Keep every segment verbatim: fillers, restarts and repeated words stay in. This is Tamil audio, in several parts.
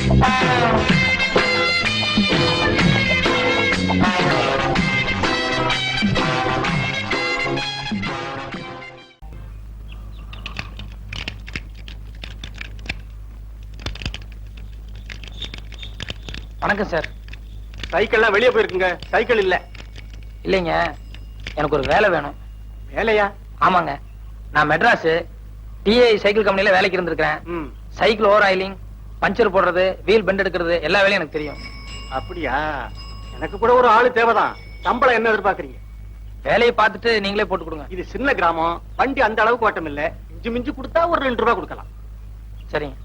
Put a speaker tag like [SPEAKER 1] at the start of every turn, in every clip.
[SPEAKER 1] வணக்கம் சார்.
[SPEAKER 2] சைக்கிள்லாம் வெளியே போயிருக்குங்க. சைக்கிள் இல்ல.
[SPEAKER 1] இல்லைங்க, எனக்கு ஒரு வேலை வேணும்.
[SPEAKER 2] வேலையா?
[SPEAKER 1] ஆமாங்க, நான் மெட்ராஸ் டிஐ சைக்கிள் கம்பெனில வேலைக்கு இருந்திருக்கிறேன். சைக்கிள் ஓவர் ஆயிலிங், பஞ்சர் போடுறது, வீல் பெண்ட் எடுக்கிறது எல்லா வேலையும் எனக்கு தெரியும்.
[SPEAKER 2] அப்படியா? எனக்கு கூட ஒரு ஆளு தேவைதான். சம்பளம் என்ன எதிர்பார்க்கறீங்க?
[SPEAKER 1] வேலையை பார்த்துட்டு நீங்களே போட்டு கொடுங்க.
[SPEAKER 2] இது சின்ன கிராமம், வண்டி அந்த அளவுக்கு ஓட்டம் இல்ல. இஞ்சி மிஞ்சி கொடுத்தா ஒரு ரெண்டு ரூபாய் கொடுக்கலாம்.
[SPEAKER 1] சரிங்க.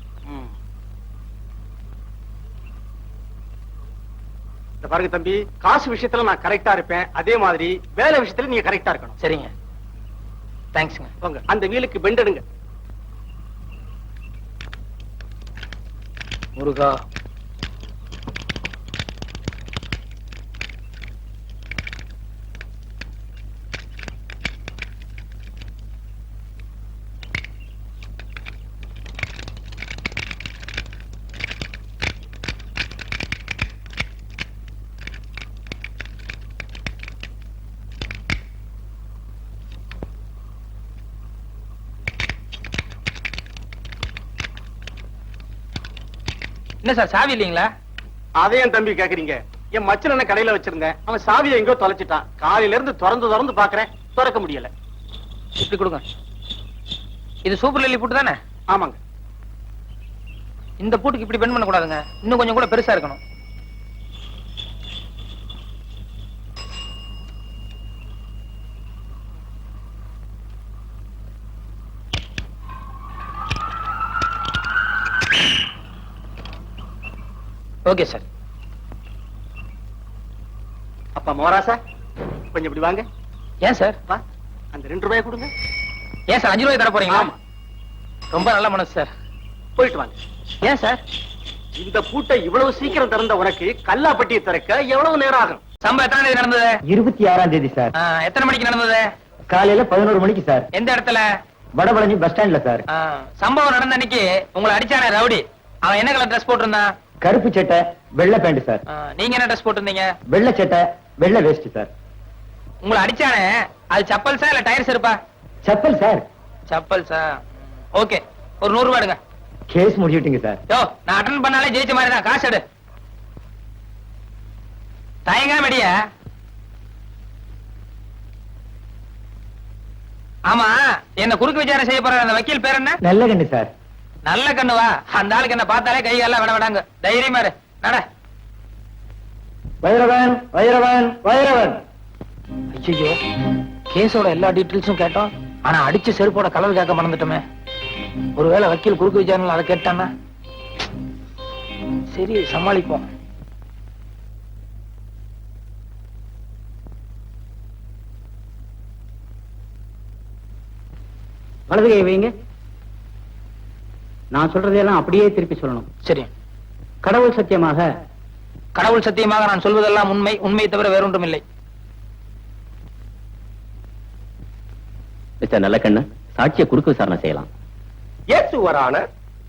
[SPEAKER 2] இந்த பாருங்க தம்பி, காசு விஷயத்துல நான் கரெக்டா இருப்பேன். அதே மாதிரி வேலை விஷயத்துல நீங்க கரெக்டா இருக்கணும்.
[SPEAKER 1] சரிங்க, தேங்க்ஸ்ங்க.
[SPEAKER 2] போங்க, அந்த வீலுக்கு பெண்ட் எடுங்க.
[SPEAKER 1] முருகா. என்ன சார், சாவி இல்லீங்களா?
[SPEAKER 2] அதையும் தம்பி கேக்குறீங்க? என் மச்சன் என்ன கடையில வச்சிருந்தேன், அவன் சாவியை எங்கோ தொலைச்சிட்டான். காலையில இருந்து திறந்து திறந்து பாக்குறேன், திறக்க முடியல.
[SPEAKER 1] இப்படி கொடுங்க. இது சூப்பர் லில்லி பூட்டு தானே?
[SPEAKER 2] ஆமாங்க.
[SPEAKER 1] இந்த பூட்டுக்கு இப்படி பெண்ட் பண்ண கூடாதுங்க, இன்னும் கொஞ்சம் கூட பெருசா இருக்கணும். Okay sir.
[SPEAKER 2] அப்பா மோராசா, கொஞ்சம் இப்படி வாங்க.
[SPEAKER 1] ஏன் சார்?
[SPEAKER 2] வா, அந்த ரெண்டு ரூபாய் கொடுங்க.
[SPEAKER 1] ஏன் சார், அஞ்சு ரூபாய் தர போறீங்களா? ரொம்ப நல்ல மனசு சார்.
[SPEAKER 2] போயிட்டு வாங்க.
[SPEAKER 1] ஏன் சார்?
[SPEAKER 2] இந்த பூட்டை இவ்வளவு சீக்கிரம் திறந்த உனக்கு கல்லாப்பட்டியை திறக்க எவ்வளவு நேரம் ஆகும்?
[SPEAKER 1] சம்பவம் எத்தனை தேதி நடந்தது?
[SPEAKER 3] இருபத்தி ஆறாம் தேதி சார்.
[SPEAKER 1] எத்தனை மணிக்கு நடந்தது?
[SPEAKER 3] காலையில பதினோரு மணிக்கு சார்.
[SPEAKER 1] எந்த இடத்துல?
[SPEAKER 3] வடபழனி பஸ் ஸ்டாண்ட்ல சார்.
[SPEAKER 1] சம்பவம் நடந்த அன்னைக்கு உங்களை அடிச்சானே ரவுடி, அவன் என்ன கலர் ட்ரெஸ் போட்டிருந்தான்?
[SPEAKER 3] கருப்பு சட்டை, வெள்ளை பேண்ட் சார்.
[SPEAKER 1] நீங்க என்ன ட்ரெஸ் போட்டிருந்தீங்க?
[SPEAKER 3] வெள்ளை சட்டை, வெள்ளை வேஷ்டி சார்.
[SPEAKER 1] உங்களை அடிச்சானே அது சப்பல் சார் இல்ல டயர்ஸ் இருப்பா?
[SPEAKER 3] Chappal sir.
[SPEAKER 1] Chappal sir. Okay, ஒரு நூறு ரூபாய் எடுங்க.
[SPEAKER 3] Case முடிச்சுட்டீங்க sir.
[SPEAKER 1] யோ, நான் அட்டெண்ட் பண்ணாலே ஜெயிச்ச மாதிரி தான். காசு எடு. தயங்காம அடியா. ஆமா, என்ன குறுக்கு விசாரணை செய்ய போற அந்த வக்கீல் பேர் என்ன?
[SPEAKER 3] நல்ல கண்ணு சார்.
[SPEAKER 1] நல்ல கண்ணுவா? அந்த ஆளுக்கு என்ன பார்த்தாலே கை எல்லாம் விட விடாங்க. தைரியமா இரு, நட.
[SPEAKER 3] வைரவன், வைரவன், வைரவன்.
[SPEAKER 1] ஐயோ, கேஸோட எல்லா டீட்டெயில்ஸும் கேட்டோம், ஆனா அடிச்ச செருப்போட கலர் கேட்க மறந்துட்டோமே. ஒருவேளை வக்கீல் குறுக்கு விசாரணை அதை கேட்டானா? சரி, சமாளிப்போம்.
[SPEAKER 3] வலது கை வைங்க. நான் சொல்றதையெல்லாம் அப்படியே திருப்பி சொல்லணும்.
[SPEAKER 1] சரி.
[SPEAKER 3] கடவுள் சத்தியமாக.
[SPEAKER 1] கடவுள் சத்தியமாக நான் சொல்வதெல்லாம் உண்மை, உண்மையை தவிர வேறொன்றும் இல்லை.
[SPEAKER 3] மிஸ்டர் நல்லக்கண்ணு, சாட்சியை குறுக்கு விசாரணை செய்யலாம்.
[SPEAKER 2] Yes your honour.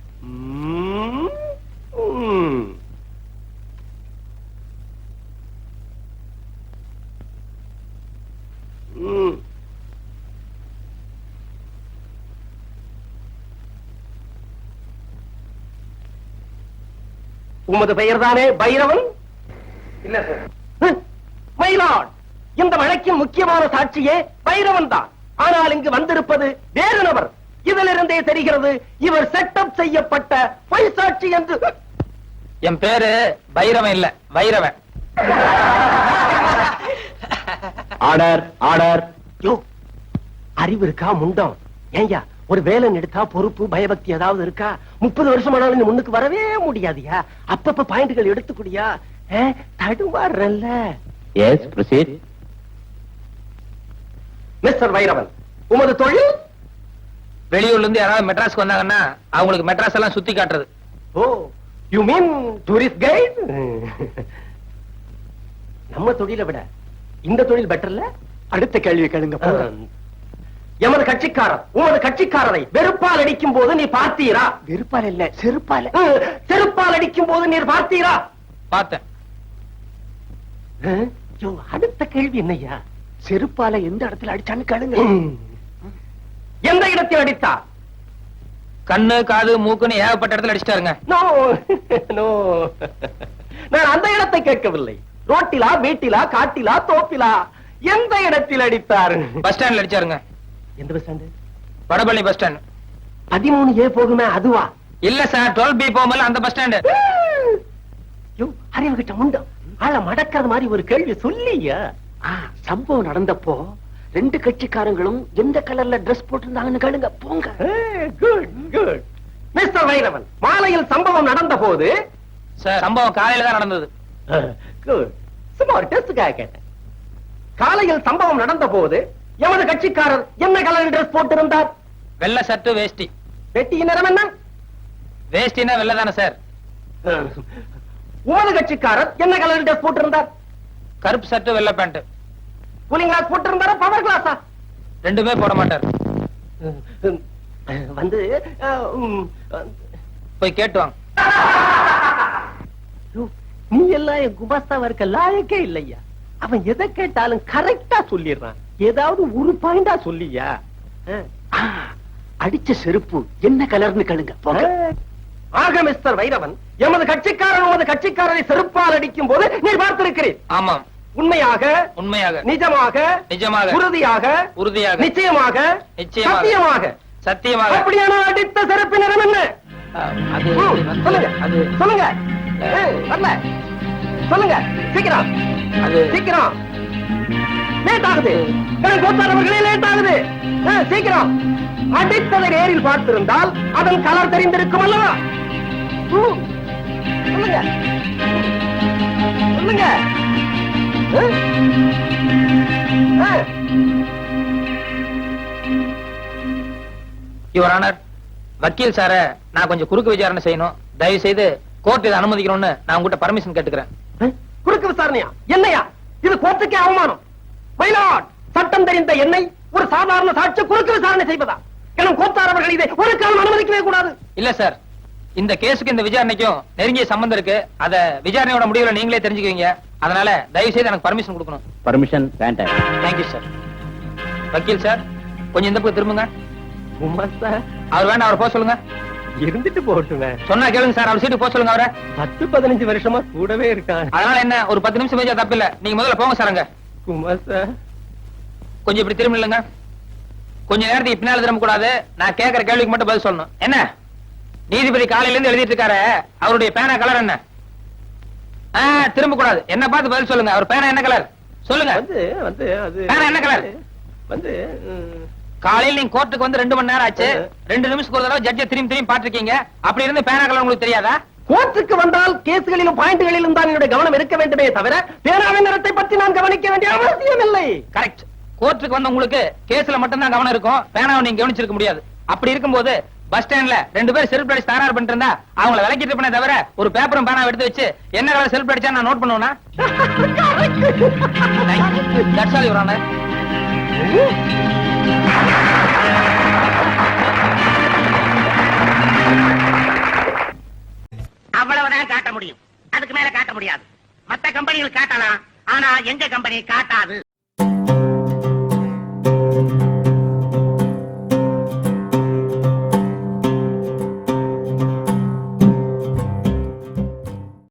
[SPEAKER 2] உமது பெயர் தானே பைரவன்?
[SPEAKER 1] இல்ல சார்.
[SPEAKER 2] மயிலாட், இந்த வழக்கின் முக்கியமான சாட்சியே பைரவன் தான். ஆனால் இங்கு வந்திருப்பது வேறு நபர். இதிலிருந்தே தெரிகிறது இவர் செட்டப் செய்யப்பட்ட பொய் சாட்சி என்று.
[SPEAKER 1] என் பேரு பைரவன் இல்ல, வைரவன்.
[SPEAKER 3] Order, order.
[SPEAKER 2] யோ, அறிவு இருக்கா முண்டம்? ஏய்யா, ஒரு வேலை எடுத்தா பொறுப்பு பயபக்தி ஏதாவது இருக்கா? முப்பது வருஷம் ஆனாலும் முன்னுக்கு வரவே முடியாதியா? அப்பப்ப பாயிண்ட்கள் எடுத்துக்கூடியா? தடுவார்ல.
[SPEAKER 3] Yes, proceed.
[SPEAKER 2] மிஸ்டர் வைரவன், உமது தொழில்?
[SPEAKER 1] வெளியூர்ல இருந்து யாராவது மெட்ராஸ்க்கு வந்தாங்கன்னா அவங்களுக்கு மெட்ராஸ் எல்லாம் சுத்தி காட்டுறது.
[SPEAKER 2] Oh, you mean tourist guide? நம்ம தொழிலை விட இந்த தொழில் பெட்டர்ல? அடுத்த கேள்வி கேளுங்க. எமது கட்சிக்காரர் உமது கட்சிக்காரரை வெறுப்பால் அடிக்கும் போது நீ பார்த்தீரா?
[SPEAKER 4] வெறுப்பால இல்ல செருப்பால.
[SPEAKER 2] ம், செருப்பால் அடிக்கும் போது நீர் பார்த்தீரா?
[SPEAKER 1] பார்த்தேன்.
[SPEAKER 2] ம், யோ, அடுத்த கேள்வி என்னய்யா?
[SPEAKER 4] செருப்பால எந்த இடத்துல அடிச்சான்னு கேளுங்க.
[SPEAKER 2] ம். எந்த இடத்தில் அடித்தா?
[SPEAKER 1] கண்ணு காது மூக்குன்னு ஏகப்பட்ட இடத்துல அடிச்சிட்டாருங்க.
[SPEAKER 2] நோ நோ, நான் அந்த இடத்தை கேட்கவில்லை. ரோட்டிலா, வீட்டிலா, காட்டிலா, தோப்பிலா, எந்த இடத்தில் அடித்தார்?
[SPEAKER 1] பஸ் ஸ்டாண்ட்ல அடிச்சாருங்க.
[SPEAKER 2] எந்த bus stand?
[SPEAKER 1] Vadapalani bus stand.
[SPEAKER 2] பதிமூணு ஏ போகுமே அதுவா?
[SPEAKER 1] இல்ல சார், டுவெல் பி போகும்போது அந்த பஸ் ஸ்டாண்டு.
[SPEAKER 2] யோ, அறிவு கிட்ட முண்டம் ஆள மடக்கிறது மாதிரி ஒரு கேள்வி சொல்லியா?
[SPEAKER 4] ஆ, சம்பவம் நடந்தப்போ ரெண்டு கட்சிக்காரங்களும் எந்த கலர்ல Dress போட்டிருந்தாங்கன்னு கேளுங்க. போங்க.
[SPEAKER 2] Good good. மிஸ்டர் வைரவன், மாலையில் சம்பவம் நடந்த போது
[SPEAKER 1] சார், சம்பவம் காலையில தான் நடந்தது.
[SPEAKER 2] குட், சும்மா ஒரு டெஸ்டுக்காக கேட்டேன். காலையில் சம்பவம் நடந்த போது எமது கட்சிக்காரர் என்ன கலர் Dress போட்டிருந்தார்?
[SPEAKER 1] வெள்ளை சட்டு வேஷ்டி.
[SPEAKER 2] வெட்டியின் நிறம் என்ன?
[SPEAKER 1] வேஷ்டினா வெள்ளை தானே சார்?
[SPEAKER 2] உமது கட்சிக்காரர் என்ன கலர் Dress போட்டிருந்தார்?
[SPEAKER 1] கருப்பு சட்டு வெள்ளை பேண்ட்.
[SPEAKER 2] கூலிங் கிளாஸ் போட்டிருந்தாரா, பவர் கிளாஸா?
[SPEAKER 1] ரெண்டுமே போட மாட்டார்.
[SPEAKER 2] வந்து உம்,
[SPEAKER 1] போய் கேட்டு வாங்க.
[SPEAKER 2] யோ, நீ எல்லாம் என் குமாஸ்தாவா இருக்க லாயக்கே இல்லையா? அவன் எதை கேட்டாலும் கரெக்டா சொல்லிடுறான். ஏதாவது ஒரு பாயிண்டா சொல்லியா?
[SPEAKER 4] ஆ, அடிச்ச செருப்பு என்ன கலர்னு கேளுங்க. போங்க.
[SPEAKER 2] ஆக மிஸ்டர் வைரவன், எமது கட்சிக்காரன் உமது கட்சிக்காரரை செருப்பால் அடிக்கும் போது நீ பார்த்திருக்கிறேன்.
[SPEAKER 1] ஆமாம்,
[SPEAKER 2] உண்மையாக,
[SPEAKER 1] உண்மையாக,
[SPEAKER 2] நிஜமாக,
[SPEAKER 1] நிஜமாக,
[SPEAKER 2] உறுதியாக,
[SPEAKER 1] உறுதியாக,
[SPEAKER 2] நிச்சயமாக,
[SPEAKER 1] நிச்சயமாக,
[SPEAKER 2] சத்தியமாக,
[SPEAKER 1] சத்தியமாக.
[SPEAKER 2] அப்படியான அடித்த செருப்பு நிறம் என்ன?
[SPEAKER 1] அது
[SPEAKER 2] ம்,
[SPEAKER 1] வந்து-
[SPEAKER 2] சொல்லுங்க,
[SPEAKER 1] அது
[SPEAKER 2] சொல்லுங்க. ஏய், வரல. சொல்லுங்க, சீக்கிரம்,
[SPEAKER 1] அது
[SPEAKER 2] சீக்கிரம். லேட் ஆகுது. கோத்தாரவர்களே லேட் ஆகுது. ஆ, சீக்கிரம். அடித்ததை நேரில் பார்த்திருந்தால் அதன் கலர் தெரிந்திருக்கும் அல்லவா? ம், சொல்லுங்க, சொல்லுங்க. ஆ? ஆ.
[SPEAKER 1] யுவர் ஆனர், வக்கீல் சார நான் கொஞ்சம் குறுக்கு விசாரணை செய்யணும். தயவு செய்து கோர்ட் இதை அனுமதிக்கணும்னு நான் உங்ககிட்ட பர்மிஷன் கேட்டுக்கிறேன்.
[SPEAKER 2] குறுக்கு விசாரணையா? என்னையா இது? கோர்ட்டுக்கே அவமானம். மயிலாட், சட்டம் தெரிந்த என்னை ஒரு சாதாரண சாட்சி குறுக்கு விசாரணை செய்வதா? எனும் கோத்தாரவர்கள் இதை ஒரு காலம் அனுமதிக்கவே கூடாது.
[SPEAKER 1] இல்ல சார், இந்த கேஸுக்கு இந்த விசாரணைக்கும் நெருங்கிய சம்பந்தம் இருக்கு. அத விசாரணையோட முடிவுல நீங்களே தெரிஞ்சுக்குவீங்க. அதனால தயவு செய்து எனக்கு பர்மிஷன் கொடுக்கணும்.
[SPEAKER 3] பர்மிஷன் வேண்டாம்.
[SPEAKER 1] Thank you sir. வக்கீல் சார், கொஞ்சம் இந்த பக்கம் திரும்புங்க.
[SPEAKER 2] உமாஸ்தா,
[SPEAKER 1] அவர் வேண்டாம், அவர் போக சொல்லுங்க.
[SPEAKER 2] இருந்துட்டு போட்டுவேன்.
[SPEAKER 1] சொன்னா கேளுங்க சார், அவர் சீட்டு போக சொல்லுங்க அவரை.
[SPEAKER 2] பத்து பதினஞ்சு வருஷமா கூடவே இருக்கான்.
[SPEAKER 1] அதனால என்ன, ஒரு பத்து நிமிஷம் பேஜா தப்பு இல்ல. நீங்க முதல்ல போங்க சார். அங்க
[SPEAKER 2] குமாஸ்தா,
[SPEAKER 1] கொஞ்சம் இப்படி திரும்ப இல்லைங்க. கொஞ்ச நேரத்துக்கு பின்னால திரும்ப கூடாது. நான் கேட்கிற கேள்விக்கு மட்டும் பதில் சொல்லணும். என்ன நீதிபதி காலையில இருந்து எழுதிட்டு இருக்காரு, அவருடைய பேனா கலர் என்ன? ஆ, திரும்ப கூடாது. என்ன பார்த்து பதில் சொல்லுங்க. அவர் பேனா என்ன கலர் சொல்லுங்க.
[SPEAKER 2] வந்து வந்து அது
[SPEAKER 1] பேனா என்ன கலர்?
[SPEAKER 2] வந்து ம்,
[SPEAKER 1] காலையில நீங்க கோர்ட்டுக்கு வந்து ரெண்டு மணி நேரம் ஆச்சு. ரெண்டு நிமிஷத்துக்கு ஒரு தடவை ஜட்ஜை திரும்பி திரும்பி பாத்துருக்கீங்க. அப்படி இருந்து பேனா கலர் உங்களுக்கு தெரியாதா?
[SPEAKER 2] கோர்ட்டுக்கு வந்தால் கேஸ்களிலும் பாயிண்ட்களிலும் தான் என்னுடைய கவனம் இருக்க வேண்டுமே தவிர பேனாவின் நிறத்தை பற்றி நான் கவனிக்க வேண்டிய அவசியம் இல்லை.
[SPEAKER 1] கரெக்ட். கோர்ட்டுக்கு வந்த உங்களுக்கு கேஸ்ல மட்டும் தான் கவனம் இருக்கும். பேனாவை நீங்க கவனிச்சிருக்க முடியாது. அப்படி இருக்கும்போது பஸ் ஸ்டாண்ட்ல ரெண்டு பேரும் செல்ஃப் அடிச்சு தகராறு பண்ணிட்டு இருந்தா அவங்கள விலக்கிட்டு இருப்பேனே தவிர ஒரு பேப்பரும் பேனாவை எடுத்து வச்சு என்ன கலர் செல்ஃப் அடிச்சா நான் நோட் பண்ணுவேனா? That's all, Your Honor.
[SPEAKER 5] அவ்வளவுதான் காட்ட முடியும். அதுக்கு மேல காட்ட முடியாது. மத்த கம்பெனிகள் காட்டலாம், ஆனா எங்க கம்பெனி காட்டாது.